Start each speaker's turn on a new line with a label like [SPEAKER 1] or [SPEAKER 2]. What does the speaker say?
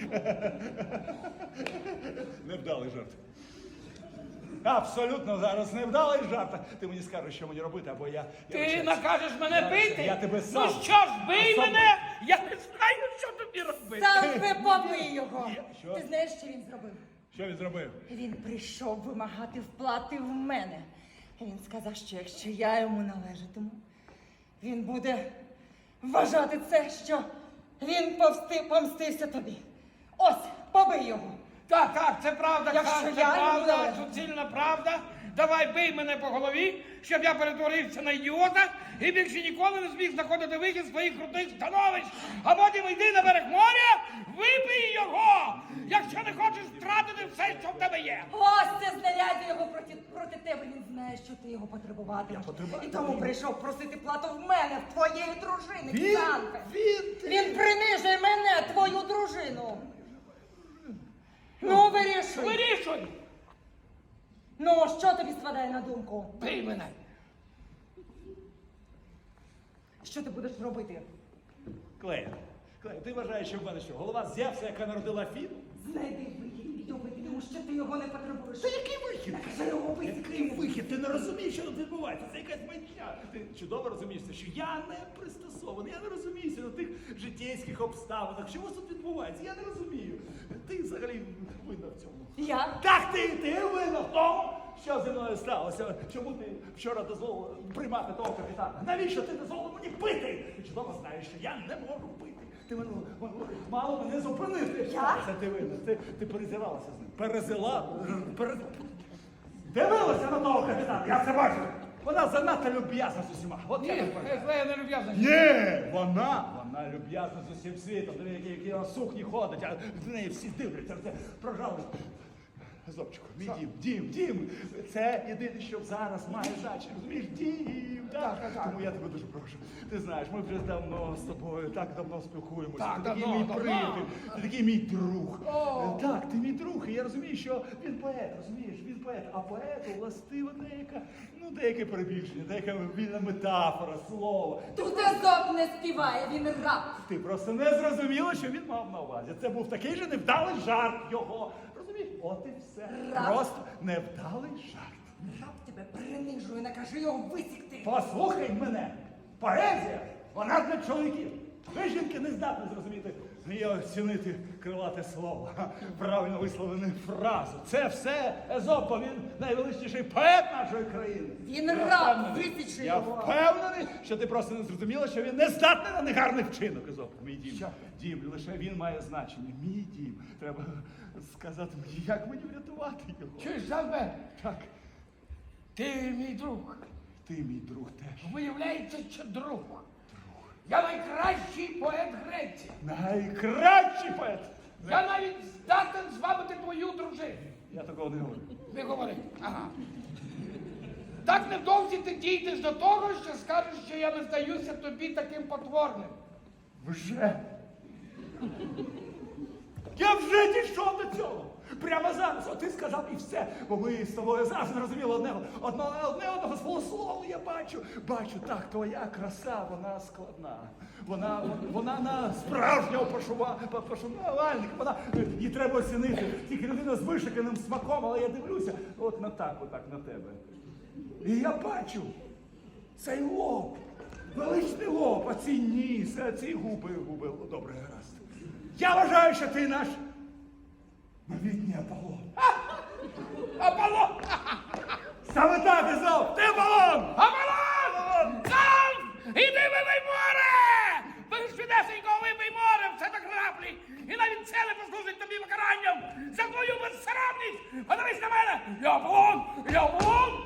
[SPEAKER 1] Невдалий жарт. Абсолютно зараз невдалий жарт. Ти мені скажеш, що мені робити, або я...
[SPEAKER 2] Ти накажеш мене бити?
[SPEAKER 1] Я тебе сам.
[SPEAKER 2] Ну що ж, бий мене! Я не знаю, що тобі робити.
[SPEAKER 3] Саме побий його.
[SPEAKER 1] Що?
[SPEAKER 3] Ти знаєш, що він зробив?
[SPEAKER 1] Що він зробив?
[SPEAKER 3] Він прийшов вимагати вплати в мене. Він сказав, що якщо я йому належатиму, він буде вважати це, що він помстився тобі. Ось, побий його.
[SPEAKER 2] Так, це правда,
[SPEAKER 3] Якщо
[SPEAKER 2] Хан, це
[SPEAKER 3] я йому
[SPEAKER 2] правда,
[SPEAKER 3] належу.
[SPEAKER 2] суцільна правда. Давай бий мене по голові, щоб я перетворився на ідіота і більше ніколи не зміг знаходити вихід з своїх крутих становищ. А потім йди на берег моря, вибий його, якщо не хочеш втратити все, що в тебе є.
[SPEAKER 3] Ось це знаряддя його проти тебе. Він знає, що ти його потребуватимеш.
[SPEAKER 1] Я потребую.
[SPEAKER 3] І тому прийшов просити плату в мене, в твоєї дружини, Ксанфи.
[SPEAKER 1] Він...
[SPEAKER 3] Він принижує мене, твою дружину. Ну, вирішуй.
[SPEAKER 2] Вирішуй!
[SPEAKER 3] Ну, що тобі спадає на думку?
[SPEAKER 2] Бий мене.
[SPEAKER 3] Що ти будеш робити?
[SPEAKER 1] Клея, ти вважаєш, що в мене що, голова з Зевса, яка народила Фіну?
[SPEAKER 3] Знайди вихід і добити, тому що ти його не потребуєш.
[SPEAKER 1] Та який вихід?
[SPEAKER 3] Накажи його вбити.
[SPEAKER 1] Який вихід? Ти не розумієш, що тут відбувається. Це якась маячня. Ти чудово розумієш, що я не пристосований, я не розуміюся на тих життєйських обставинах. Що у вас тут відбувається? Я не розумію. Ти взагалі винна в цьому.
[SPEAKER 3] Я?
[SPEAKER 1] Так, ти винна в тому, що зі мною сталося. Чому ти вчора дозволила приймати того капітана? Навіщо ти дозволила мені пити? Ти чудово знаєш, що я не можу пити. Ти мало мене зупинити.
[SPEAKER 3] Я?
[SPEAKER 1] Це ти винна. Ти перезиралася з ним. Дивилася на того капітана, я це бачу. Вона занадто люб'язна з усіма. От я
[SPEAKER 2] Ні,
[SPEAKER 1] так бачу.
[SPEAKER 2] Клея не люб'язна.
[SPEAKER 1] Ні, вона люб'язна з усім світом. Диви, які на сукні ходить, а з неї всі дивляться. Це, пожалуйста. Зобчику, мій дім. Це єдине, що зараз має значення. Розумієш, дім. Так. Тому я тебе дуже прошу. Ти знаєш, ми вже давно з тобою так давно спілкуємося.
[SPEAKER 2] Так,
[SPEAKER 1] Ти такий
[SPEAKER 2] давно,
[SPEAKER 1] мій
[SPEAKER 2] давно.
[SPEAKER 1] приятель, ти такий мій друг.
[SPEAKER 2] О.
[SPEAKER 1] Так, ти мій друг. І я розумію, що він поет, розумієш, він поет. А поету властива деяке перебільшення, деяка вільна метафора, слово.
[SPEAKER 3] Тут Езоп не співає, він раб.
[SPEAKER 1] Ти просто не зрозуміла, що він мав на увазі. Це був такий же невдалий жарт його. Розумієш? От і все.
[SPEAKER 3] Раб.
[SPEAKER 1] Просто невдалий жарт.
[SPEAKER 3] Раб тебе принижує, накажи його висікти.
[SPEAKER 1] Послухай мене. Поезія, вона для чоловіків. Ви, жінки, не здатні зрозуміти і оцінити крилате слово, правильно висловлену фразу. Це все Езопа, він найвеличніший поет нашої країни.
[SPEAKER 3] Він
[SPEAKER 1] Я
[SPEAKER 3] раб,
[SPEAKER 1] впевнений.
[SPEAKER 3] висічи
[SPEAKER 1] Я
[SPEAKER 3] його.
[SPEAKER 1] впевнений, що ти просто не зрозуміла, що він не здатний на негарний вчинок, Езоп. Мій дім.
[SPEAKER 2] Що?
[SPEAKER 1] Дім, лише він має значення. Мій дім. Треба сказати мені, як мені врятувати його.
[SPEAKER 2] Чуєш, Жалбе?
[SPEAKER 1] Так,
[SPEAKER 2] Ти мій друг.
[SPEAKER 1] ти мій друг теж.
[SPEAKER 2] Виявляється, що друг. Я найкращий поет Греції.
[SPEAKER 1] Найкращий поет.
[SPEAKER 2] Я навіть здатен звабити твою дружину.
[SPEAKER 1] Я такого не говорю.
[SPEAKER 2] Не говори. Ага. Так невдовзі ти дійдеш до того, що скажеш, що я не здаюся тобі таким потворним.
[SPEAKER 1] Вже? Я вже дійшов до цього. Прямо зараз. От ти сказав і все. Бо ми з тобою завжди розуміли одного з полуслову я бачу. Бачу, так, твоя краса, вона складна. Вона на справжнього пошанувальника. Її треба оцінити. Тільки людина з вишиканим смаком, але я дивлюся, отак на тебе. І я бачу цей лоб. Величний лоб, а ці ніс, а ці губи. Добре, гаразд. Я вважаю, що ти наш новітній Аполлон.
[SPEAKER 2] Аполлон!
[SPEAKER 1] Саме так, Езоп, ти Аполлон!
[SPEAKER 2] Аполлон! Там! Іди вибий море! Безшвидесенько вибий море, все так граблі! І навіть це не послужить тобі покаранням за твою безсоромність! Подивись на мене! Я Аполлон!